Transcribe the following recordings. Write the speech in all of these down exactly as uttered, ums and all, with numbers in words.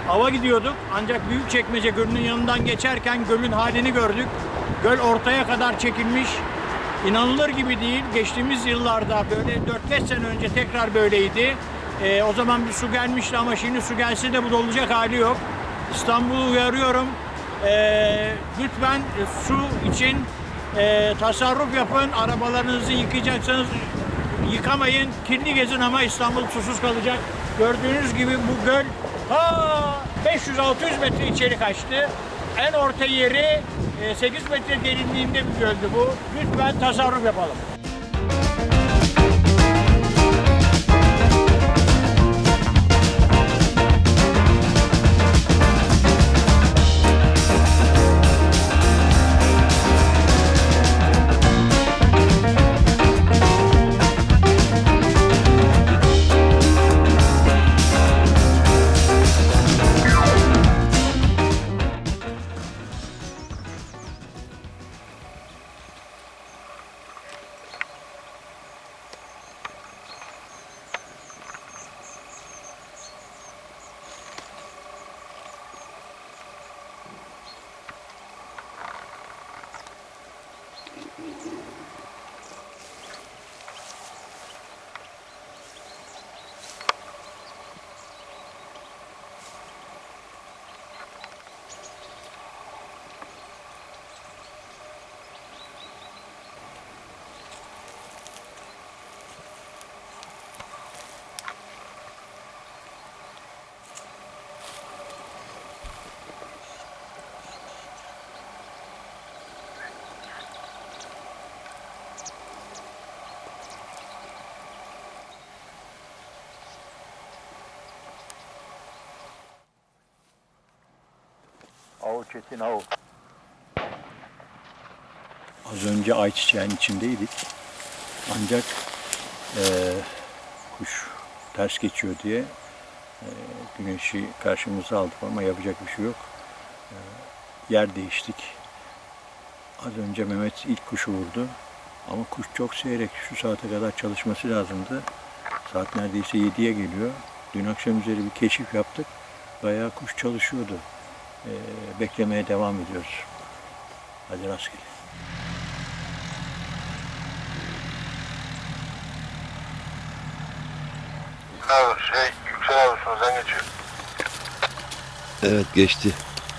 ava gidiyorduk. Ancak Büyükçekmece Gölü'nün yanından geçerken gölün halini gördük. Göl ortaya kadar çekilmiş. İnanılır gibi değil. Geçtiğimiz yıllarda böyle dört beş sene önce tekrar böyleydi. Ee, o zaman bir su gelmişti ama şimdi su gelse de bu dolacak hali yok. İstanbul'u uyarıyorum. Ee, lütfen su için e, tasarruf yapın. Arabalarınızı yıkayacaksanız yıkamayın. Kirli gezin ama İstanbul susuz kalacak. Gördüğünüz gibi bu göl ha beş yüz altı yüz metre içeri kaçtı. En orta yeri sekiz metre derinliğinde bir göldü bu. Lütfen tasarruf yapalım. Av Çetin av. Az önce ayçiçeğin içindeydik. Ancak e, kuş ters geçiyor diye e, güneşi karşımıza aldık ama yapacak bir şey yok. E, yer değiştik. Az önce Mehmet ilk kuşu vurdu. Ama kuş çok seyrek. Şu saate kadar çalışması lazımdı. Saat neredeyse yediye geliyor. Dün akşam üzeri bir keşif yaptık. Bayağı kuş çalışıyordu. Ee, beklemeye devam ediyoruz. Hadi rastgele. Abi şey Yüksel abi üstümüzden geçiyor. Evet geçti.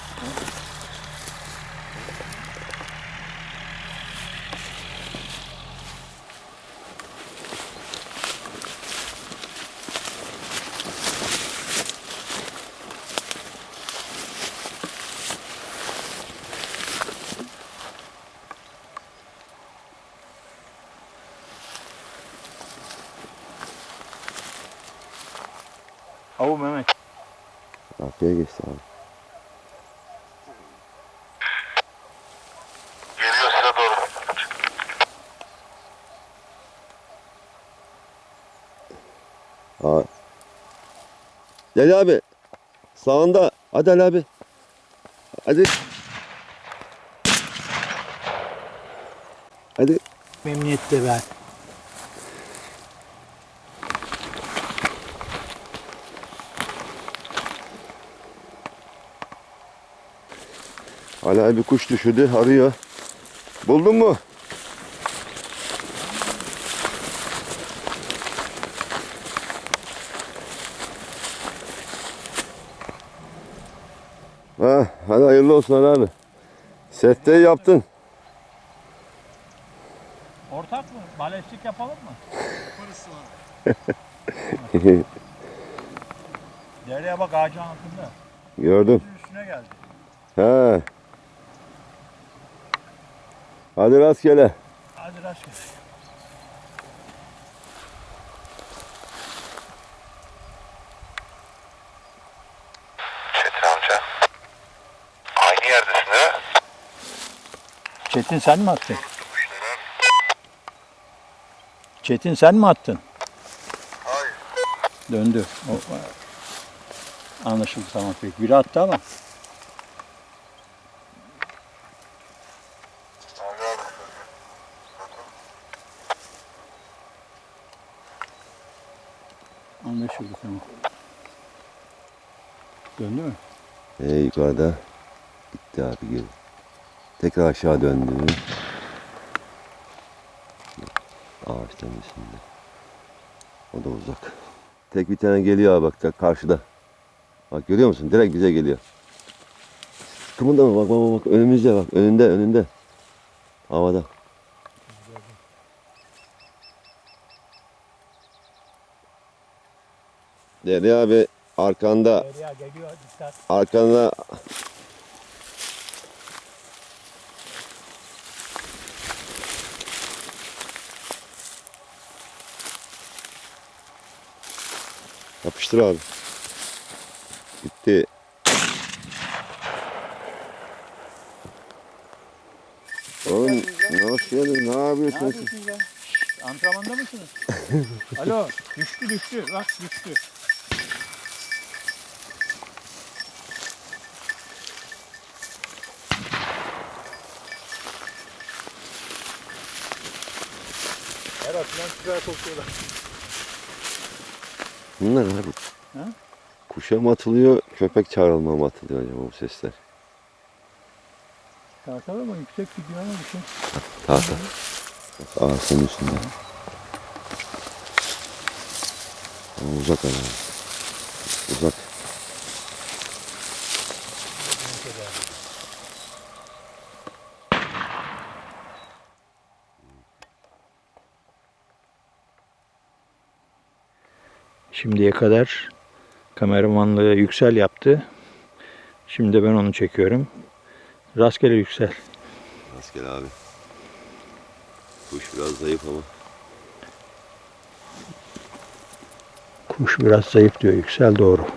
Avu Mehmet. Arkaya geçti abi. Geliyor size doğru. Aa. Gel abi. Sağında. Hadi Ali abi. Hadi. Hadi. Memnuniyetle ver. Ali abi kuş düşürdü. Arıyor. Buldun mu? Ha, hadi hayırlı olsun Ali abi. Setteyi yaptın. Ortak mı? Balestik yapalım mı? Dereye bak ağacın altında. Gördüm. Üstüne geldi. Ha. Hadi rastgele. Hadi rastgele. Çetin amca. Aynı yerdesin değil mi? Çetin sen mi attın? Çetin sen mi attın? Hayır. Döndü. O, anlaşıldı tamam peki. Biri attı ama. Anlaşıldı tamam. Döndü mü? Ee, yukarıda gitti abi geri. Tekrar aşağı döndü. Ağaçların üstünde. O da uzak. Tek bir tane geliyor abi bak da karşıda. Bak görüyor musun? Direkt bize geliyor. Kımıldama bak bak bak önümüzde bak önünde önünde. Havada. Derya abi arkanda Derya geliyor, dikkat. arkanda yapıştır abi. Gitti. Oğlum nasıl geldin? Ne yapıyorsun? yapıyorsunuz ya? Şşt, antrenmanda mısınız? Alo, düştü düştü. Bak düştü. Her atılan süper kokuyorlar. Bunlar abi. Ha? Kuşa mı atılıyor, köpek çağrılma mı atılıyor acaba bu sesler? Tahtalı ama yüksek gidiyor ama bir şey. Tahta. Ağaçların üstünde. Ama uzak ama. Uzak. Şimdiye kadar kameramanlığı Yüksel yaptı. Şimdi de ben onu çekiyorum. Rastgele Yüksel. Rastgele abi. Kuş biraz zayıf ama. Kuş biraz zayıf diyor Yüksel, doğru.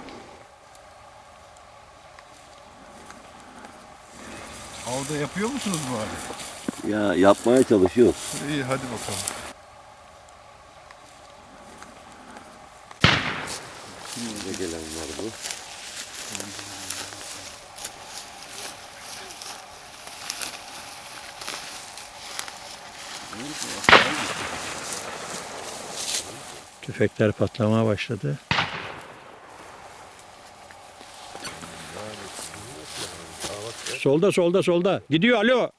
Avda yapıyor musunuz bu arada? Ya yapmaya çalışıyor. İyi hadi bakalım. Şimdi gelenler bu. Tüfekler patlamaya başladı. Solda solda solda. Gidiyor, alo.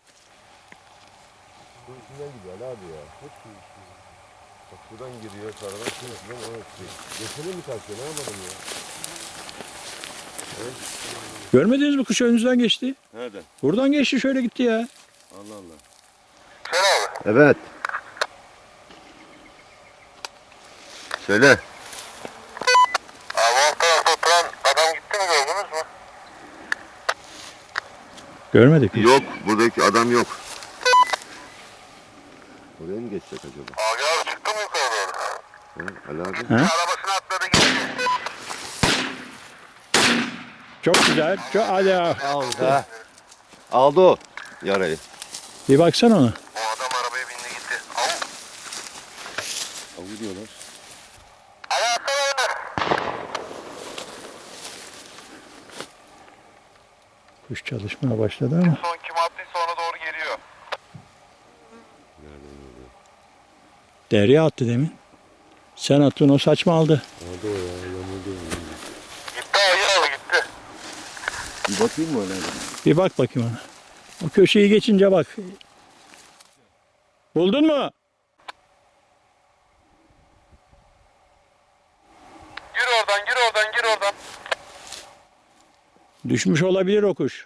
Bu içinden gidiyor Ali abi ya. Hep bu içinden. Bak buradan giriyor, karadan şuradan o yapıyor. Geçene mi kaçıyor, ne yapalım ya? Evet. Görmediniz mi, kuş önünüzden geçti? Nerede? Buradan geçti, şöyle gitti ya. Allah Allah. Sen abi. Evet. Söyle. Abi alt tarafta oturan adam gitti mi gördünüz mü? Görmedik mi? Yok, buradaki adam yok. Oraya mı geçecek acaba? Abi abi çıktı mı yukarı doğru? He, Ali abi. Ha? Arabasına atladı gitti. Çok güzel. Çok, hadi ya. Aldı. Aldı o yarayı. Bir baksana ona. O adam arabaya bindi gitti. Av. Avı diyorlar. Hadi atsana önüne. Kuş çalışmaya başladı ama. Son kim attıysa ona doğru geliyor. Derya attı demin. Sen attın, o saçma aldı. Aldı o ya, yamuldu. Gitti abi abi gitti. Bir bakayım mı öyle? Bir bak bakayım ona. O köşeyi geçince bak. Buldun mu? Gir oradan gir oradan gir oradan. Düşmüş olabilir o kuş.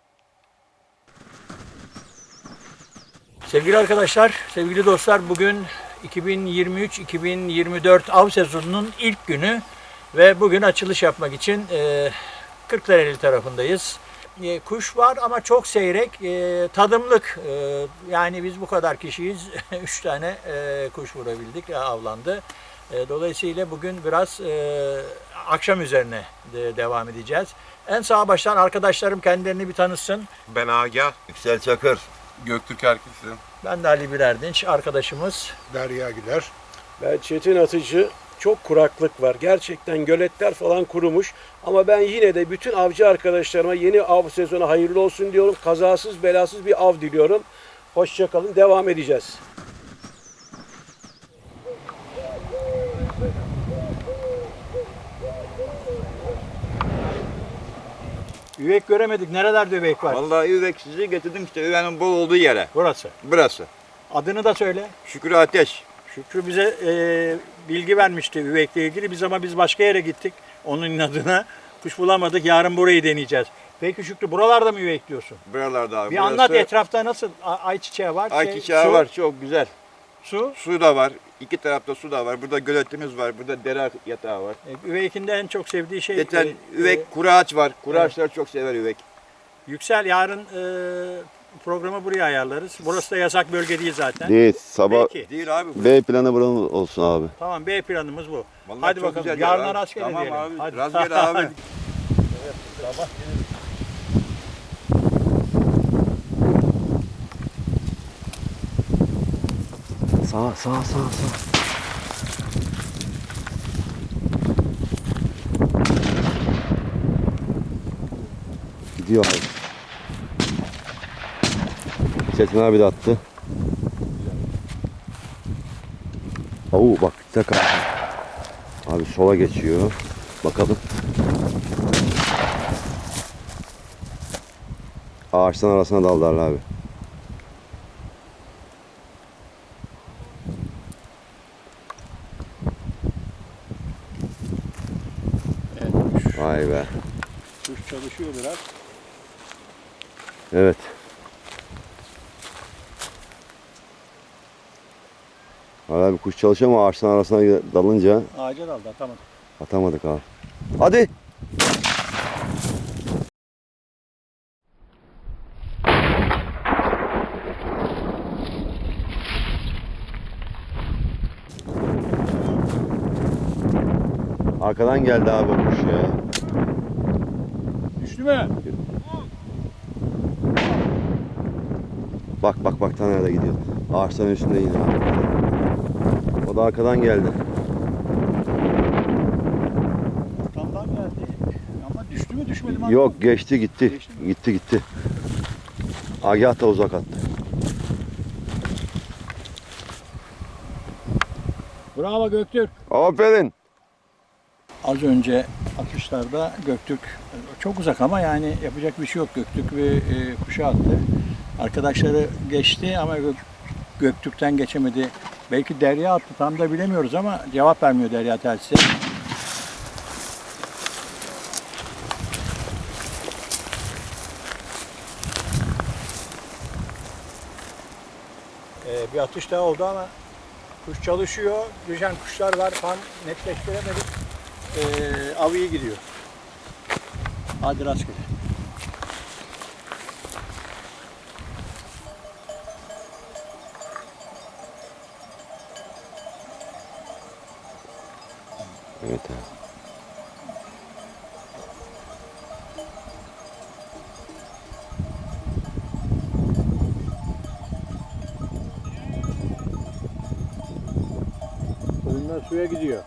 Sevgili arkadaşlar, sevgili dostlar, bugün iki bin yirmi üç iki bin yirmi dört av sezonunun ilk günü ve bugün açılış yapmak için e, Kırklareli tarafındayız. E, kuş var ama çok seyrek, e, tadımlık. E, yani biz bu kadar kişiyiz, üç tane e, kuş vurabildik, e, avlandı. E, dolayısıyla bugün biraz e, akşam üzerine de devam edeceğiz. En sağ baştan arkadaşlarım kendilerini bir tanısın. Ben Agah. Yüksel Çakır. Göktürk Erkek'sin. Ben de Ali Birerdinç, arkadaşımız. Derya Güler. Ben Çetin Atıcı. Çok kuraklık var. Gerçekten göletler falan kurumuş. Ama ben yine de bütün avcı arkadaşlarıma yeni av sezonu hayırlı olsun diyorum. Kazasız belasız bir av diliyorum. Hoşça kalın. Devam edeceğiz. Üvek göremedik. Nerelerde üvek var? Vallahi üvek sizi getirdim işte üvenin bol olduğu yere. Burası. Burası. Adını da söyle. Şükrü Ateş. Şükrü bize e, bilgi vermişti üvekle ilgili. Biz ama biz başka yere gittik. Onun adına kuş bulamadık. Yarın burayı deneyeceğiz. Peki Şükrü buralarda mı üvek diyorsun? Buralarda abi. Bir Burası anlat etrafta nasıl? A- ayçiçeği var. şey, Ayçiçeği su, var çok güzel. Su. Su da var. İki tarafta su da var. Burada göletimiz var. Burada dere yatağı var. E, üvekin de en çok sevdiği şey. Geçen e, üvek e, kuru ağaç var. Kuru evet. ağaçları çok sever üvek. Yüksel yarın e, programı buraya ayarlarız. Burası da yasak bölge değil zaten. Değil. Sabah Peki. Değil abi. bu. B planı buranın olsun abi. Tamam B planımız bu. Vallahi Hadi çok bakalım. güzel yer Yarına abi. rastgele Tamam diyelim. abi. Hadi. Rastgele abi. Sağ sağ sağ sağ. Gidiyor abi. Çetin abi de attı. Oo bak tek abi. Abi sola geçiyor. Bakalım. Ağaçtan arasına daldılar abi. Evet, kuş, Vay be. kuş çalışıyor biraz. Evet. Hala bir kuş çalışıyor ama ağaçtan arasına dalınca Ağaca daldı atamadı. atamadık abi. Hadi. Arkadan geldi abi o kuş ya. Düştü mü? Bak bak bak ta nerede gidiyor. Ağaçların üstünde yine abi. O da arkadan geldi. Arkamdan geldi. Ama düştü mü düşmedi mi? Yok geçti gitti. Geçti mi? Gitti gitti. Agah da uzak attı. Bravo Göktürk. Aferin. Az önce atışlarda Göktürk çok uzak ama yani yapacak bir şey yok. Göktürk bir e, kuşa attı. Arkadaşları geçti ama Gök, Göktürk'ten geçemedi. Belki Derya attı tam da bilemiyoruz ama cevap vermiyor Derya telsize. Ee, bir atış daha oldu ama kuş çalışıyor. Düşen kuşlar var. Tam netleştiremedik. Ee, av iyi gidiyor. Hadi rastgele. Evet abi. Koyunlar suya gidiyor.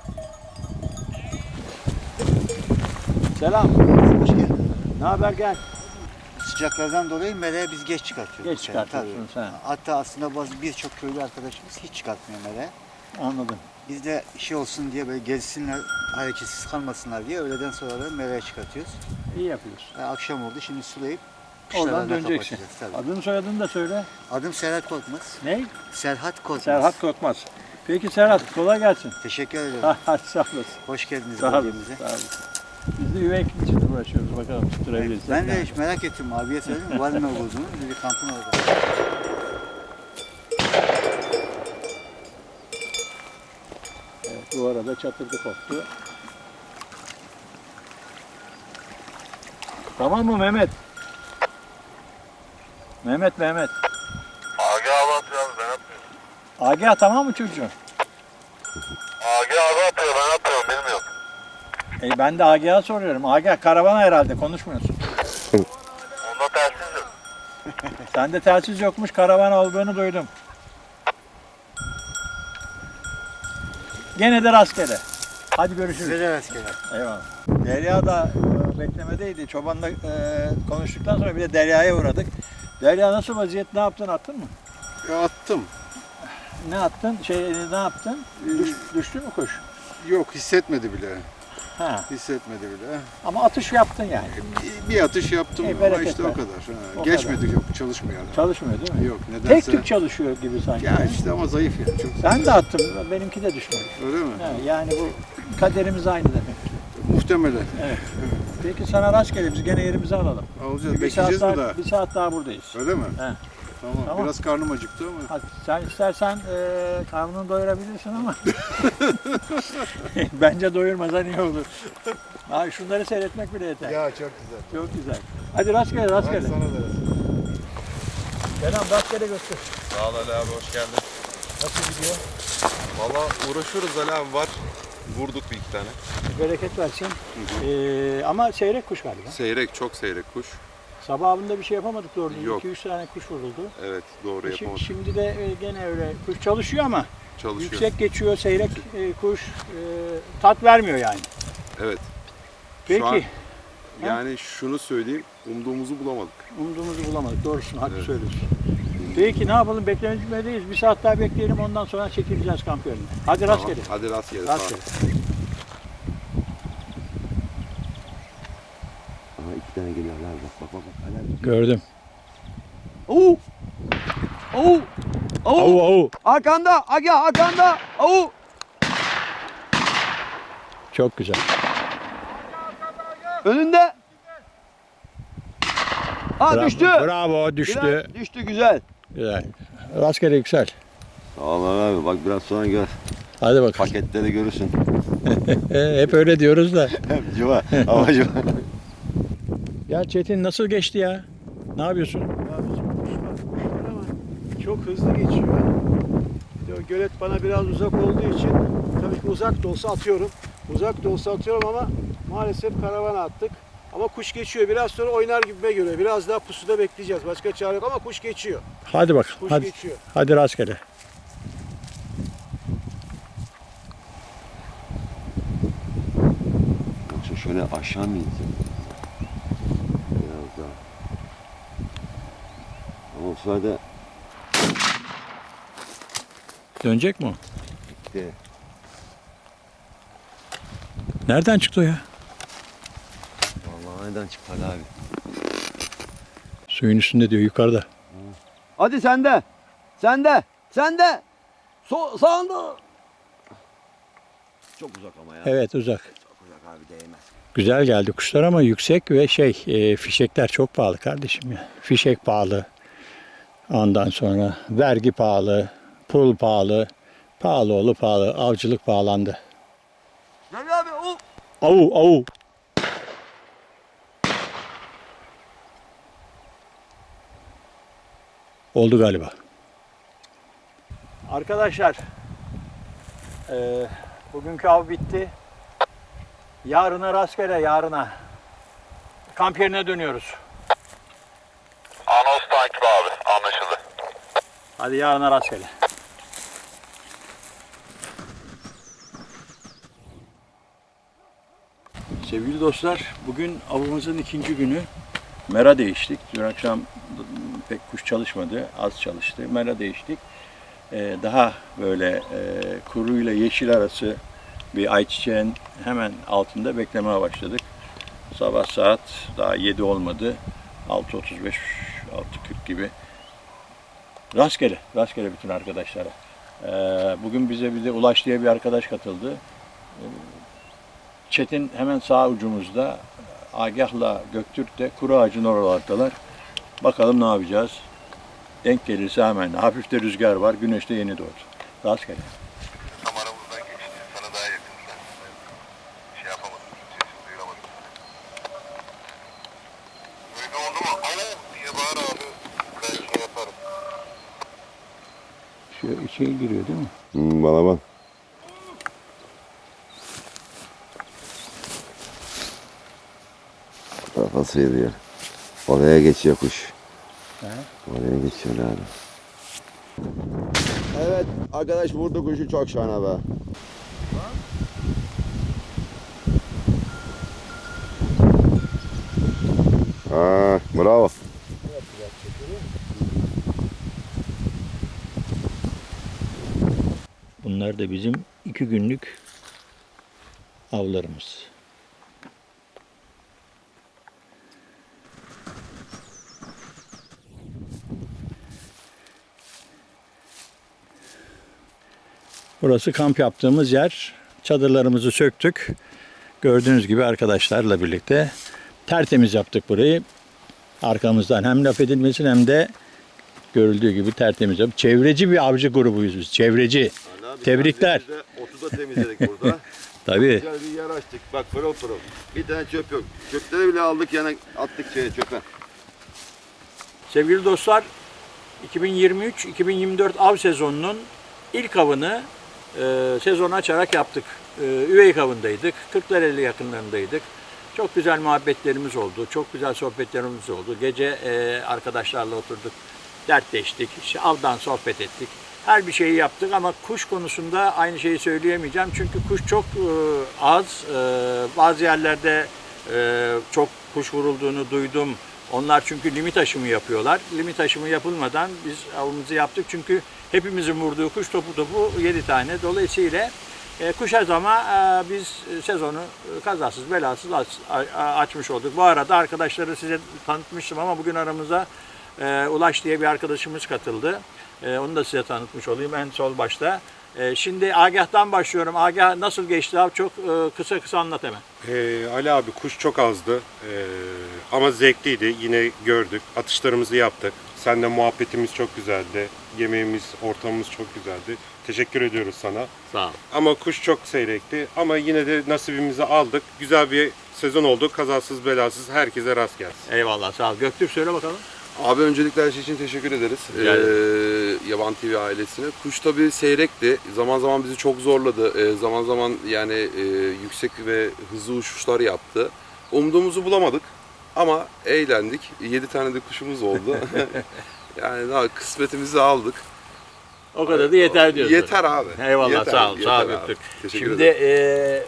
Selam. Hoş geldin. Ne haber gel. Sıcaklardan dolayı meleğe biz geç çıkartıyoruz. Geç Yani, çıkartıyorsun tabii. sen. Hatta aslında bazı birçok köylü arkadaşımız hiç çıkartmıyor meleğe. Anladım. Biz de şey olsun diye böyle gezsinler, hareketsiz kalmasınlar diye öğleden sonra da meleğe çıkartıyoruz. İyi yapıyorsun. Yani akşam oldu şimdi sulayıp Oradan kışlarına döneceksin. kapatacağız, tabii. Adını soyadını da söyle. Adım Serhat Korkmaz. Ne? Serhat Korkmaz. Serhat Korkmaz. Peki Serhat kolay gelsin. Teşekkür ederim. Hadi sağ olasın. Hoş geldiniz Sağ olasın. bölgemize. Sağ olasın. Biz de üvek için uğraşıyoruz. Bakalım tutturabiliriz. Ben de hiç merak ettim abiye söyledim var mı olduğunu. Dedi kampın orada. Evet, bu arada çatırdı koptu. Tamam mı Mehmet? Mehmet Mehmet. Agi abi atıyor abi ben atmıyorum. Agah tamam mı çocuğum? Agi abi atıyor ben atmıyorum bilmiyorum. E ben de Agah'a soruyorum. Agah karavana herhalde konuşmuyorsun. Onda telsiz yok. Sende telsiz yokmuş, karavan olduğunu duydum. Gene de rastgele. Hadi görüşürüz. Size de rastgele. Eyvallah. Derya da e, beklemedeydi. Çobanla e, konuştuktan sonra bir de Derya'ya uğradık. Derya nasıl vaziyet? Ne yaptın? Attın mı? Ya attım. Ne attın? Şey ne yaptın? Düş, düştü mü kuş? Yok hissetmedi bile. Ha. Hissetmedi bile. Ama atış yaptın yani. Bir, bir atış yaptım Ey, ama bereket işte ver. o kadar. Ha, O geçmedi yok çalışmıyor. Çalışmıyor değil mi? Yok Tek nedense. tük çalışıyor gibi sanki. Ya işte ama zayıf ya. Çok Ben de attım. Benimki de düşmedi. öyle mi? Ha, yani bu kaderimiz aynı demek. Muhtemelen. Evet. Peki sana rastgele biz gene yerimizi alalım. Alacağız. Bir Bekleyeceğiz saat mi daha, daha? bir saat daha buradayız. Öyle mi? He. Tamam. Tamam. Biraz karnım acıktı ama. Hadi sen istersen e, karnını doyurabilirsin ama bence doyurmasan iyi olur. Abi şunları seyretmek bile yeter. Ya çok güzel. Çok güzel. Hadi rastgele rastgele. Hadi sana da. Kenan rastgele götür. Sağ ol Ali abi, hoş geldin. Nasıl gidiyor? Valla uğraşıyoruz Ali abi, var. Vurduk bir iki tane. Bereket versin. Ee, ama seyrek kuş galiba. Seyrek, çok seyrek kuş. Sabahında bir şey yapamadık doğru. Yok. iki üç tane kuş vuruldu. Evet, doğru E Şimdi, yapamadık. şimdi de e, gene öyle kuş çalışıyor ama Çalışıyor. yüksek geçiyor seyrek e, kuş e, tat vermiyor yani. Evet. Peki. Şu an yani şunu söyleyeyim, umduğumuzu bulamadık. Umduğumuzu bulamadık. Doğrusun, haklı Evet. söylüyorsun. Peki ne yapalım? Beklemedeyiz. Bir saat daha bekleyelim. Ondan sonra çekileceğiz kamp yerine. Hadi Tamam, rastgele. hadi rastgele. Sağ ol. Rastgele. Aha iki tane geliyor. Lan bak bak bak. bak. Helal. Gördüm. Oo! Oo! Avu avu. Arkanda! Aga arkanda! Oo! Çok güzel. Önünde! Ha Bravo, düştü! Bravo düştü. Güzel, düştü güzel. Güzel. Rastgele yüksel. Allah abi bak biraz sonra gör. Hadi bakalım. Paketleri görürsün. Hep öyle diyoruz da. Hep civa. Ama civa. Ya Çetin nasıl geçti ya? Ne yapıyorsun? Ya bizim kuş var, kuş var ama çok hızlı geçiyor. Bir de o gölet bana biraz uzak olduğu için tabii ki uzak da olsa atıyorum. Uzak da olsa atıyorum ama maalesef karavana attık. Ama kuş geçiyor. Biraz sonra oynar gibime göre. Biraz daha pusuda bekleyeceğiz. Başka çare yok ama kuş geçiyor. Hadi bakalım. Kuş Hadi. geçiyor. Hadi rastgele. Yoksa şöyle aşağı mı insin? Biraz daha. Ama o sırada Dönecek mi o? gitti. Nereden çıktı o ya? Vallahi nereden çıktı abi? Suyun üstünde diyor yukarıda. Hadi sende. Sende. Sende. So sağında. Çok uzak ama ya. Evet uzak. Çok uzak abi değmez. Güzel geldi kuşlar ama yüksek ve şey e, fişekler çok pahalı kardeşim ya. Fişek pahalı. Ondan sonra vergi pahalı. Pul pahalı. Pahalı oğlu pahalı. Avcılık pahalandı. Gel abi o. Avu avu. Oldu galiba. Arkadaşlar e, bugünkü av bitti. Yarına rastgele yarına. Kamp yerine dönüyoruz. Anons takip abi. Anlaşıldı. Hadi yarına rastgele. Sevgili dostlar, bugün avımızın ikinci günü. Mera değiştik. Dün akşam pek kuş çalışmadı, az çalıştı. Mera değiştik. Ee, daha böyle e, kuru ile yeşil arası bir ayçiçeğin hemen altında beklemeye başladık. Sabah saat daha yedi olmadı. altı otuz beş, altı kırk gibi. Rastgele, rastgele bütün arkadaşlara. Ee, bugün bize bir de Ulaş diye bir arkadaş katıldı. Çetin hemen sağ ucumuzda. Agah'la Göktürk de kuru ağacın oralardalar. Bakalım ne yapacağız. Denk gelirse hemen. Hafif de rüzgar var. Güneş de yeni doğdu. Rastgele. Tam aramızdan geçti. Sana daha yakın. Sen şey yapamadım. Sesini duyuramadım. Öyle oldu mu? Alo diye bağır abi. Ben şey yaparım. Şu içeri giriyor değil mi? Hmm, bana bak. Kafası yediyor. Oraya geçiyor kuş. He? Oraya geçiyor abi. Evet arkadaş vurdu kuşu çok şahane be. Ha, bravo. Bunlar da bizim iki günlük avlarımız. Burası kamp yaptığımız yer. Çadırlarımızı söktük. Gördüğünüz gibi arkadaşlarla birlikte tertemiz yaptık burayı. Arkamızdan hem laf edilmesin hem de görüldüğü gibi tertemiz yaptık. Çevreci bir avcı grubuyuz biz. Çevreci. Tebrikler. Otu da temizledik burada. Tabii. Güzel bir yer açtık. Bak pırıl pırıl. Bir tane çöp yok. Çöpleri bile aldık yani attık şeye çöpe. Sevgili dostlar, iki bin yirmi üç iki bin yirmi dört av sezonunun ilk avını e, sezon açarak yaptık. E, Üveyik avındaydık. Kırklareli yakınlarındaydık. Çok güzel muhabbetlerimiz oldu. Çok güzel sohbetlerimiz oldu. Gece e, arkadaşlarla oturduk. Dertleştik. İşte avdan sohbet ettik. Her bir şeyi yaptık ama kuş konusunda aynı şeyi söyleyemeyeceğim. Çünkü kuş çok e, az. E, bazı yerlerde e, çok kuş vurulduğunu duydum. Onlar çünkü limit aşımı yapıyorlar. Limit aşımı yapılmadan biz avımızı yaptık. Çünkü hepimizin vurduğu kuş topu topu yedi tane. Dolayısıyla e, kuş az ama e, biz sezonu kazasız belasız aç, a, açmış olduk. Bu arada arkadaşları size tanıtmıştım ama bugün aramıza e, Ulaş diye bir arkadaşımız katıldı. E, onu da size tanıtmış olayım en sol başta. E, şimdi Agah'tan başlıyorum. Agah nasıl geçti abi? Çok e, kısa kısa anlat hemen. Ee, Ali abi kuş çok azdı Ee, ama zevkliydi. Yine gördük. Atışlarımızı yaptık. Seninle muhabbetimiz çok güzeldi. Yemeğimiz, ortamımız çok güzeldi. Teşekkür ediyoruz sana. Sağ ol. Ama kuş çok seyrekti. Ama yine de nasibimizi aldık. Güzel bir sezon oldu. Kazasız belasız herkese rast gelsin. Eyvallah sağ ol. Göktürk söyle bakalım. Abi öncelikle her şey için teşekkür ederiz. Rica Ee, Yaban T V ailesine. Kuş tabii seyrekti. Zaman zaman bizi çok zorladı. Ee, zaman zaman yani e, yüksek ve hızlı uçuşlar yaptı. Umduğumuzu bulamadık ama eğlendik. yedi tane de kuşumuz oldu. Yani daha kısmetimizi aldık. O kadar da yeter diyorsun. Yeter abi. Eyvallah Yeter, sağ ol. Sağ ol yeter abi. Göktürk. Teşekkür Şimdi ederim. e,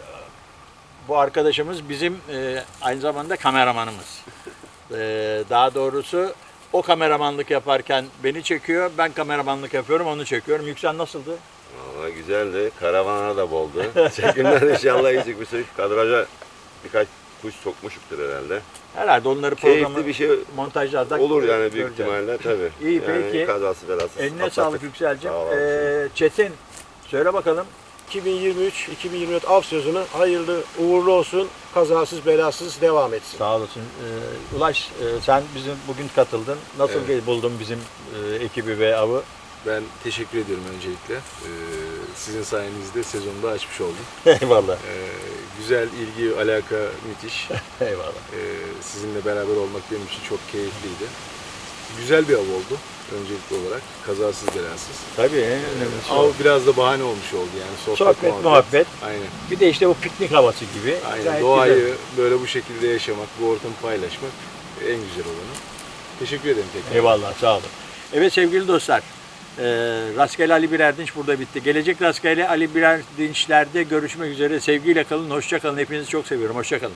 bu arkadaşımız bizim e, aynı zamanda kameramanımız. E, daha doğrusu o kameramanlık yaparken beni çekiyor, ben kameramanlık yapıyorum, onu çekiyorum. Yüksel nasıldı? Valla güzeldi. Karavana da boldu. Çekimler inşallah iyi çıkmıştır. Kadraja birkaç kuş sokmuşuktur herhalde. Herhalde onları programı Keyifli bir şey montajlarda olur yani büyük göreceğiz. ihtimalle tabii. İyi, yani peki. Kazası belasız. Eline atlattık. sağlık Yüksel'cim. Sağ ol, Ee, Çetin söyle bakalım. iki bin yirmi üç iki bin yirmi dört av sezonu hayırlı uğurlu olsun. Kazasız belasız devam etsin. Sağ olasın. Ee, Ulaş e, sen bizim bugün katıldın. Nasıl Evet. buldun bizim e, ekibi ve avı? Ben teşekkür ediyorum öncelikle. Ee, sizin sayenizde sezonu da açmış oldum. Eyvallah. Ee, güzel ilgi, alaka müthiş. Eyvallah. Ee, sizinle beraber olmak benim için çok keyifliydi. Güzel bir av oldu öncelikli olarak. Kazasız belasız. Tabii en önemlisi Av o. biraz da bahane olmuş oldu yani. Sohbet, Sohbet, muhabbet. muhabbet. Aynen. Bir de işte bu piknik havası gibi. Aynen. Gayet Doğayı güzel. böyle bu şekilde yaşamak, bu ortamı paylaşmak en güzel olanı. Teşekkür ederim tekrar. Eyvallah sağ olun. Evet sevgili dostlar. E, Rastgele Ali Birerdinç burada bitti. Gelecek Rastgele Ali Birerdinç'lerde görüşmek üzere. Sevgiyle kalın, hoşça kalın. Hepinizi çok seviyorum. Hoşça kalın.